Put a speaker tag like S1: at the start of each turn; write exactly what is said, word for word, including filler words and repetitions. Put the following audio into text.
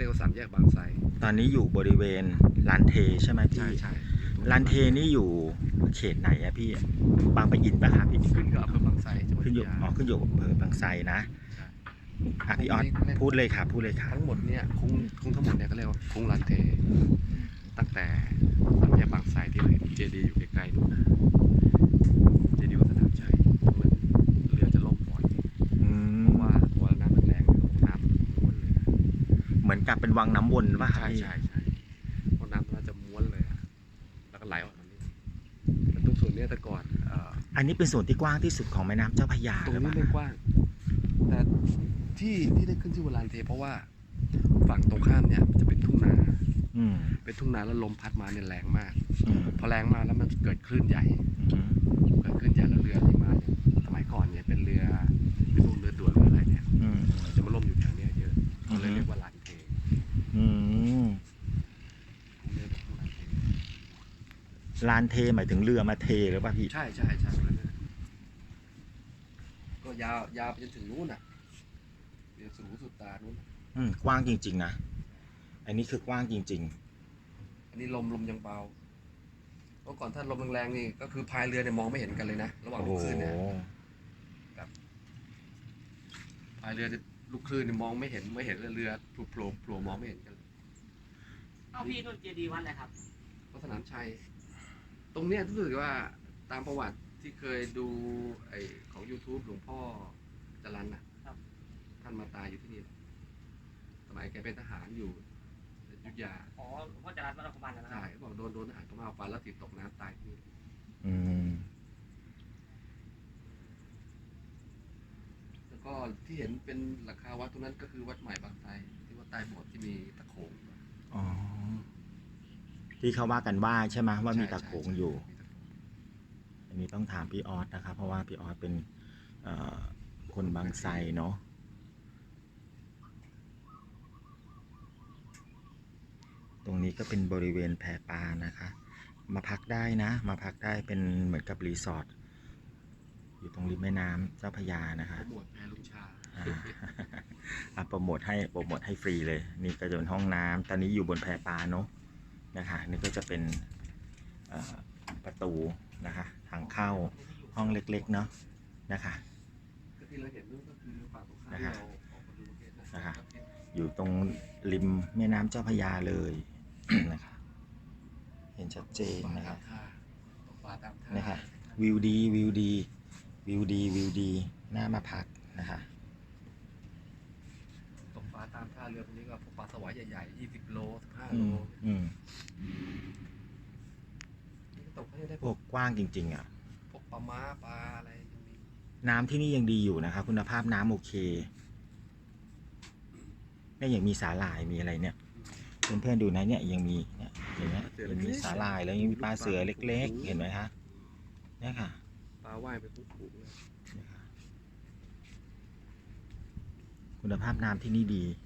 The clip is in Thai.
S1: รียกว่าสามแยกบางไทร
S2: ตอนนี้อยู่บริเวณลานเทใช่ไหมพี่
S1: ใช่ใช่
S2: ลานเทนี่อยู่เขตไหนอะพี่บางปะอินปะครับพี่
S1: ขึ้นกับอำเภอบางไทรจังหวัด
S2: ขึ้นอยู่
S1: พัทยา
S2: อ๋อขึ้นอยู่อำเภอบางไทรนะ
S1: ใช่
S2: อ่ะพี่ออสพูดเลยค่ะพูดเลยค่ะ
S1: ทั้งหมดเนี่ยคุ้งคุ้งทั้งหมดเนี่ยก็เรียกว่าคุ้งลานเทตั้งแต่สามแยกบางไทรที่เราเห็นเจดีย์อยู่ใกล้ๆนู่นนะเจดีย์วัดสนามชัยเหมือนเรือจะล่มบ่อยเพราะว่าเพราะว่าน้ำมันแรงน้ำมันม้วนเลยนะ
S2: เหมือนกับเป็นวังน้ำวนป่ะครับ
S1: ใช่
S2: พี่
S1: ใช่ใช่เพราะน้ำมันจะม้วนเลยอะแล้วก็ไหลออกมานี่แต่ตรงส่วนเนี้ยแต่ก่อนเอ่อ
S2: อันนี้เป็นส่วนที่กว้างที่สุดของแม่น้ำเจ้าพระยา
S1: ตรง
S2: หรือเป
S1: นี้
S2: ล่า
S1: ไม่กว้าง แต่ที่ที่ได้ขึ้นชื่อว่าลานเทเพราะว่าฝั่งตรงข้ามเนี่ยจะเป็นทุ่งนา
S2: อืม
S1: เป็นทุ่งนาแล้วลมพัดมาเนี่ยแรงมาก
S2: อืม
S1: พอแรงมาแล้วมันเกิดคลื่นใหญ่
S2: อืม
S1: เกิดคลื่นใหญ่แล้วเรือที่มาเนี่ยสมัยก่อนเนี่ยเป็นเรือเป็นพวกเรือด่วนเรืออะไรเนี่ย
S2: อืม
S1: จะมาล่มอยู่แถวเนี้ยเยอะ
S2: อื
S1: ก็
S2: ม
S1: เลยเรียกว่าลานเท
S2: อืม
S1: เรียกว่าลานเท
S2: ลานเทหมายถึงเรือมาเทหรือเปล่าพี่
S1: ใช่ใช่ใช่แล้วเนี่ยก็ยาวยาวไปจนถึงนู้นอ่ะเรือสุดหูสุดตานู้น
S2: อืมกว้างจริงๆนะอันนี้คือกว้างจริง
S1: อันนี้ลมลมยังเบาเมื่อก่อนถ้าลมแรงๆนี่ก็คือพายเรือเนี่ยมองไม่เห็นกันเลยนะระห
S2: ๆ
S1: ว่าง
S2: โอ้
S1: ลู
S2: โห
S1: กคลื่นเนี่ยพายเรือลูกคลื่นเนี่ยมองไม่เห็นไม่เห็นเรือโผล่โผล่โผล่มองไม่เห็นกันเลย
S3: เอาพี่นุ่นเจดีย์วัดอะไรครับ
S1: วัดสนามชัยตรงเนี้ยรู้สึกว่าตามประวัติที่เคยดูไอของ YouTube หลวงพ่อจรัญน่ะท่านมาตายอยู่ที่นี่สมัยแกเป็นทหารอยู่อยุธยา
S3: อ๋อหลวงพ่อจรัญวัดอคุมันนะค
S1: ใช่
S3: รับ
S1: บอกโดนโดนทหารพม่าฟันแล้วติดตกน้ำตายที่นี่
S2: อืม
S1: แล้วก็ที่เห็นเป็นหลังคาวัดตรงนั้นก็คือวัดใหม่บางไทรที่วัดใต้โบสถ์ที่มีตะโขง
S2: อ๋อที่เขาว่ากันว่าใช่ไหมว่ามีตะโขงอยู่ อันนี้ต้องถามพี่ออสนะครับ เพราะว่าพี่ออสเป็นเอ่อคนบางไทรเนาะตรงนี้ก็เป็นบริเวณแพปลานะคะ มาพักได้นะ มาพักได้เป็นเหมือนกับรีสอร์ทอยู่ตรงริมแม่น้ำเจ้าพระยานะคะ
S1: โปรโมทแพรลุงชา
S2: อ่า อ่ะโปรโมทให้โปรโมทให้ฟรีเลย นี่ก็จะเป็นห้องน้ำตอนนี้อยู่บนแพปลาเนาะนะคะนี่ก็จะเป็นเอ่อประตูนะคะทางเข้าห้องเล็กๆเนาะนะคะ
S1: ก็ที่เราเห็นนู่นก็คือฝั่งตรงข้ามที่เราออกมาดูเห็นนะ
S2: นะคะอยู่ตรงริมแม่น้ำเจ้าพระยาเลย นะคะเห็นชัดเจนนะครับ
S1: ตกปลาตามท่า
S2: นะคะวิวดีวิวดีวิวดีวิวดีน่ามาพักนะคะ
S1: ตกปลาตามท่าเรือตรงนี้ก็พวกปลาสวายใหญ่ๆยี่สิบโลสิบห้า
S2: อื
S1: โล
S2: มอืม
S1: นี่ก็ตกให้ได้
S2: พวกกว้างจริงๆอ่ะ
S1: พวกปลาม้าปลาอะไรยังมี
S2: น้ำที่นี่ยังดีอยู่นะคะคุณภาพน้ำโอเคเนี่ยยังมีสาหร่ายมีอะไรเนี่ยเพื่อนๆดูนะเนี่ยยังมีเนี่ยอย่างเงี้ยยังมีสาหร่ายแล้วยังมีปลาเสือเล็กๆเห็นไหมคะเนี่ยค่ะ
S1: ปลาว่ายไปปุ๊บปุ๊บเลย
S2: เนี่ยค่ะคุณภาพน้ำที่นี่ดี